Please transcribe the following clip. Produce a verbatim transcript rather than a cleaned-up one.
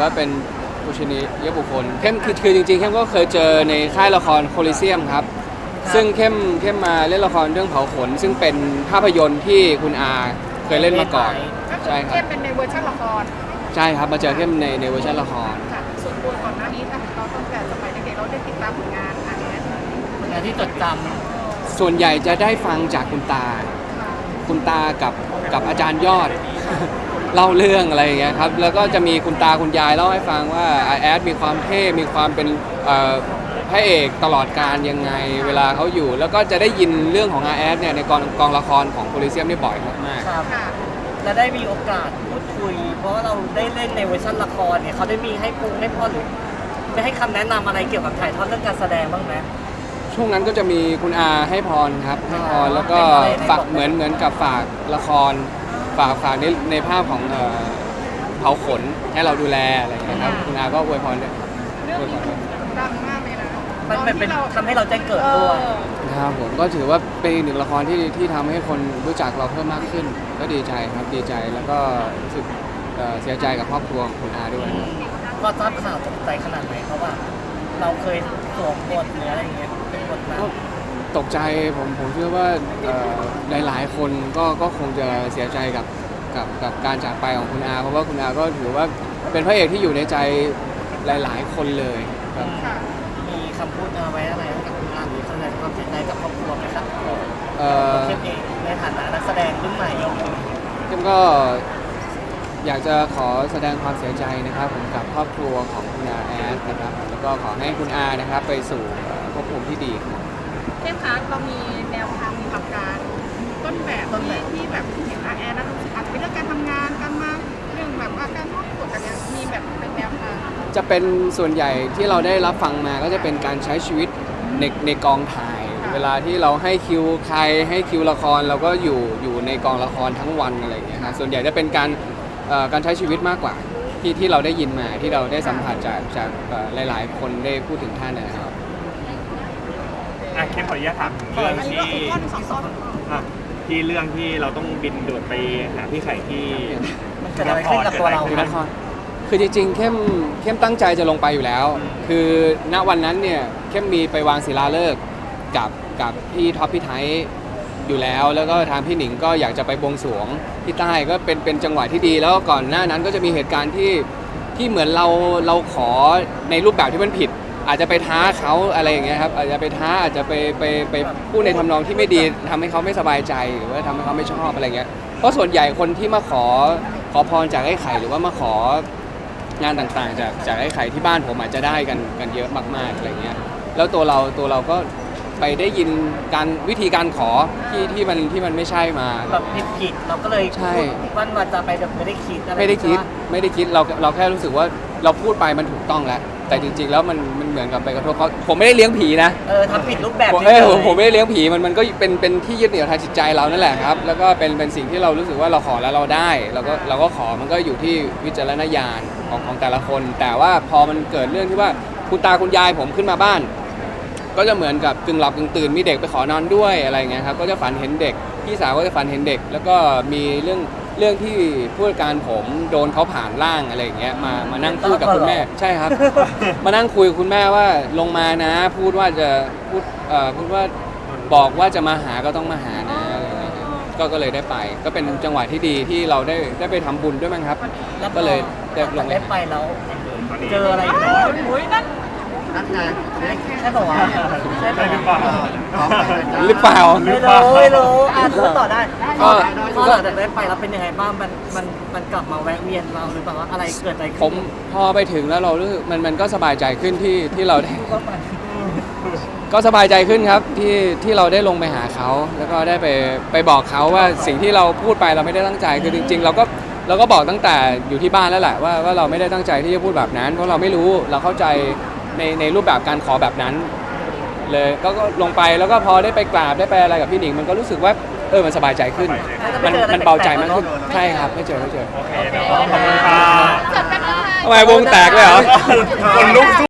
ว่าเป็นผู้ชนียบุคคลเข้มคือคือจริงๆเข้มก็เคยเจอในค่ายละครโคลิเซียมครับซึ่งเข้มเข้มมาเล่นละครเรื่องเผาขนซึ่งเป็นภาพยนตร์ที่คุณอาเคยเล่นมาก่อนใช่ครับเข้มเป็นในเวอร์ชันละครใช่ครับมาเจอเข้มในในเวอร์ชันละครค่ะส่วนตัวก่อนหน้านี้ถ้าเราตั้งแต่สมัยเด็กๆเราได้ติดตามผลงานอะไรนี้ผลงานที่จดจส่วนใหญ่จะได้ฟังจากคุณตาคุณตากับกับอาจารย์ยอด เล่าเรื่องอะไรอย่างเงี้ยครับแล้วก็จะมีคุณตาคุณยายเล่าให้ฟังว่าอาแอดมีความเท่มีความเป็นพระเอกตลอดการยังไงเวลาเขาอยู่แล้วก็จะได้ยินเรื่องของอาแอดเนี่ยในกองกองละครของโคลิเซียมนี่บ่อยมากำครับและได้มีโอกาสพูดคุย เพราะว่าเราได้เล่นในเวอร์ชันละครเนี่ยเขาได้มีให้ปรุงให้พ่อหรือได้ให้คำแนะนำอะไรเกี่ยวกับถ่ายทอดเรื่องการแสดงบ้างไหมช่วงนั้นก็จะมีคุณอาให้พรครับให้พรแล้วก็ฝากเหมือนเหมือนกับฝากละครฝากฝากในในภาพของเผาขนให้เราดูแลอะไรอย่างเงี้ยครับคุณอาก็อวยพรด้วยอวยพรด้วยดังมากเลยนะมันเป็นทำให้เราแจ้งเกิดด้วยครับผมก็ถือว่าเป็นหนึ่งละครที่ที่ทำให้คนรู้จักเราเพิ่มมากขึ้นก็ดีใจครับดีใจแล้วก็รู้สึกเสียใจกับครอบครัวของคุณอาด้วยพอทราบข่าวตกใจขนาดไหนเพราะว่าเราเคยสวมบทหรืออะไรอย่างเงี้ยเป็นบทนั้นตกใจผมผมเชื่อว่าหลายๆคนก็ก็คงจะเสียใจกับกับกับการจากไปของคุณอาเพราะว่าคุณอาก็ถือว่าเป็นพระเอกที่อยู่ในใจหลายๆคนเลยครับมีคำพูดเอาไว้อะไรกับคุณอาหรือแสดงความเสียใจกับครอบครัวไหมครับเข้มเองในฐานะนักแสดงรุ่นใหม่เข้มก็อยากจะขอแสดงความเสียใจนะครับผมกับครอบครัวของคุณอาแอดนะครับแล้วก็ขอให้คุณอานะครับไปสู่ภพภูมิที่ดีเข้มคะเรามีแนวทางมีหลักการต้นแบบที่ที่แบบเห็นอาแอดแล้วอาจจะเป็นเรื่องการทำงานการมาเรื่องแบบว่าการทอดกฎอะไรมีแบบเป็นแนวทางจะเป็นส่วนใหญ่ที่เราได้รับฟังมาก็จะเป็นการใช้ชีวิตในในกองถ่ายเวลาที่เราให้คิวใครให้คิวละครเราก็อยู่อยู่ในกองละครทั้งวันอะไรอย่างเงี้ยครับส่วนใหญ่จะเป็นการการใช้ชีวิตมากกว่าที่ที่เราได้ยินมาที่เราได้สัมผัสจากจากหลายๆคนได้พูดถึงท่านนะครับอ่ะแค่ขออนุญาตถามเรื่องที่ที่เรื่องที่เราต้องบินโดดไปหาพี่ไข่ที่มันเกิดอะไรขึ้นกับตัวเราคือจริงๆเข้มเข้มตั้งใจจะลงไปอยู่แล้วคือณวันนั้นเนี่ยเข้มมีไปวางศิลาฤกษ์กับกับพี่ท็อปพี่ไทยอยู่แล้วแล้วก็ทางพี่หนิงก็อยากจะไปบวงสรวงที่ใต้ก็เป็นเป็นจังหวะที่ดีแล้วก่อนหน้านั้นก็จะมีเหตุการณ์ที่ที่เหมือนเราเราขอในรูปแบบที่มันผิดอาจจะไปท้าเขาอะไรอย่างเงี้ยครับอาจจะไปท้าอาจจะไปไปไปพูดในทำนองที่ไม่ดีทำให้เขาไม่สบายใจหรือว่าทำให้เขาไม่ชอบอะไรเงี้ยเพราะส่วนใหญ่คนที่มาขอขอพรจากไอ้ไข่หรือว่ามาของานต่างๆจากจากไอ้ไข่ที่บ้านผมอาจจะได้กันกันเยอะมากๆอะไรเงี้ยแล้วตัวเราตัวเราก็ไปได้ยินการวิธีการขอที่ที่มันที่มันไม่ใช่มาแบบผิดๆเราก็เลยใช่วันวันจะไปแบบไม่ได้คิดอะไรไม่ได้คิดไม่ได้คิดเราเราแค่รู้สึกว่าเราพูดไปมันถูกต้องแล้วแต่จริงๆแล้วมันมันเหมือนกับไปกระทบเขาผมไม่ได้เลี้ยงผีนะเออทำผิดรูปแบบเออผมไม่ได้เลี้ยงผีมันมันก็เป็นเป็นที่ยึดเหนี่ยวทางจิตใจเรานั่นแหละครับแล้วก็เป็นเป็นสิ่งที่เรารู้สึกว่าเราขอแล้วเราได้เราก็เราก็ขอมันก็อยู่ที่วิจารณญาณของของแต่ละคนแต่ว่าพอมันเกิดเรื่องที่ว่าคุณตาคุณยายผมขึ้นมาบ้านก็จะเหมือนกับกึ่งหลับกึ่งตื่นมีเด็กไปขอนอนด้วยอะไรเงี้ยครับก็จะฝันเห็นเด็กพี่สาวก็จะฝันเห็นเด็กแล้วก็มีเรื่องเรื่องที่ผู้จัดการผมโดนเขาผ่านร่างอะไรอย่างเงี้ยมามานั่งพูดกับคุณแม่ใช่ครับ มานั่งคุยกับคุณแม่ว่าลงมานะพูดว่าจะพูดเอ่อพูดว่าบอกว่าจะมาหาก็ต้องมาหานะอะไรอย่างเงี้ยก็ก็เลยได้ไปก็เป็นจังหวะที่ดีที่เราได้ได้ไปทำบุญด้วยมั้งครับก็เลยได้ลงได้ไปแล้วเจออะไรนั่นนั่นไงใช่ป่าวใช่ป่าวหรือเปล่าหรือเปล่าไม่รู้ไม่รู้อ่านพูดต่อได้ก็พอหลังจากได้ไปแล้วเป็นยังไงบ้างมันมันมันกลับมาแวะเวียนเราหรือเปล่าว่าอะไรเกิดอะไรขึ้นผมพอไปถึงแล้วเรารู้สึกมันมันก็สบายใจขึ้นที่ที่เราได้ก็สบายใจขึ้นครับที่ที่เราได้ลงไปหาเขาแล้วก็ได้ไปไปบอกเขาว่าสิ่งที่เราพูดไปเราไม่ได้ตั้งใจคือจริงๆเราก็เราก็บอกตั้งแต่อยู่ที่บ้านแล้วแหละว่าว่าเราไม่ได้ตั้งใจที่จะพูดแบบนั้นเพราะเราไม่รู้เราเข้าใจในในรูปแบบการขอแบบนั้นเลยก็ลงไปแล้วก็พอได้ไปกราบได้ไปอะไรกับพี่หนิงมันก็รู้สึกว่าเออมันสบายใจขึ้นมันมันเบาใจมากขึ้นใช่ครับไม่เจอไม่เจอโอเคขอบคุณค่ะทำไมวงแตกเลยเหรอคนลุก